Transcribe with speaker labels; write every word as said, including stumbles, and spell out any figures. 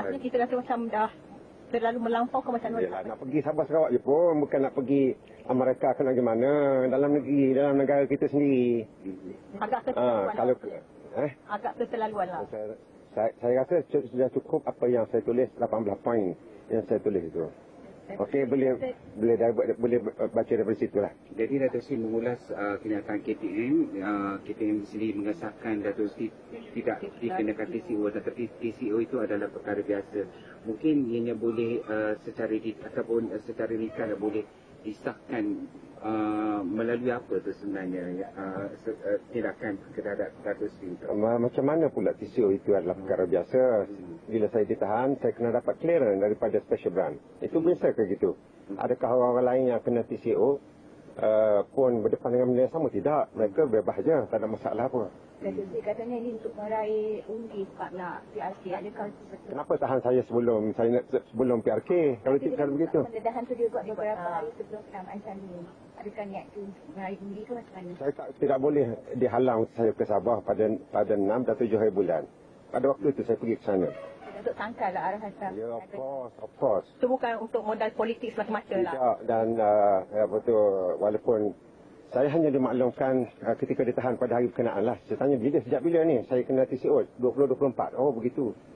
Speaker 1: Rasanya kita rasa macam dah terlalu melampau ke macam mana?
Speaker 2: Yelah, nak pergi Sabah Sarawak je pun, bukan nak pergi Amerika ke nak mana, dalam negeri, dalam negara kita sendiri.
Speaker 1: Agak
Speaker 2: Ah,
Speaker 1: keterlaluan
Speaker 2: kalau
Speaker 1: lah.
Speaker 2: eh,
Speaker 1: Agak keterlaluan lah.
Speaker 2: saya, saya, saya rasa sudah cukup apa yang saya tulis, lapan belas poin yang saya tulis itu. Okey, boleh boleh dah, boleh baca daripada situ lah.
Speaker 3: Jadi Dato' Sri mengulas uh, kenyataan K T M, uh, K T M sendiri mengesahkan Dato' Sri tidak dikenakan T C O, tetapi T C O itu adalah perkara biasa. Mungkin ianya boleh uh, secara di, ataupun uh, secara nikah boleh disahkan uh, melalui apa tu sebenarnya uh, se, uh, tindakan terhadap Dato' Sri itu.
Speaker 2: Macam mana pula T C O itu adalah perkara biasa. Bila saya ditahan, saya kena dapat clearance daripada special branch. Itu biasa ke gitu? Adakah orang-orang lain yang kena T C O uh, pun berdepan dengan benda yang sama? Tidak. Mereka bebas je. Tak ada masalah apa.
Speaker 1: Dato' Sri katanya ini untuk meraih undi sebab nak P R K. Adakah betul?
Speaker 2: Kenapa tahan saya sebelum saya nak, sebelum P R K? Kalau tidak kalau begitu.
Speaker 1: Pendedahan tu dia buat beberapa hari sebelum pengambilan ni. Adakah niat tu untuk meraih undi ke macam mana?
Speaker 2: Saya tak, tidak boleh dihalang saya ke Sabah pada pada enam dan tujuh hari bulan. Pada waktu itu saya pergi ke sana.
Speaker 1: Untuk tangkal lah arahan Trump.
Speaker 2: Ya, of course, of course.
Speaker 1: Itu bukan untuk modal politik semata-mata lah.
Speaker 2: Tidak, dan uh, apa tu, walaupun saya hanya dimaklumkan uh, ketika ditahan pada hari berkenaan lah. Saya tanya bila, sejak bila ni saya kena T C O? dua puluh dua puluh empat. Oh begitu.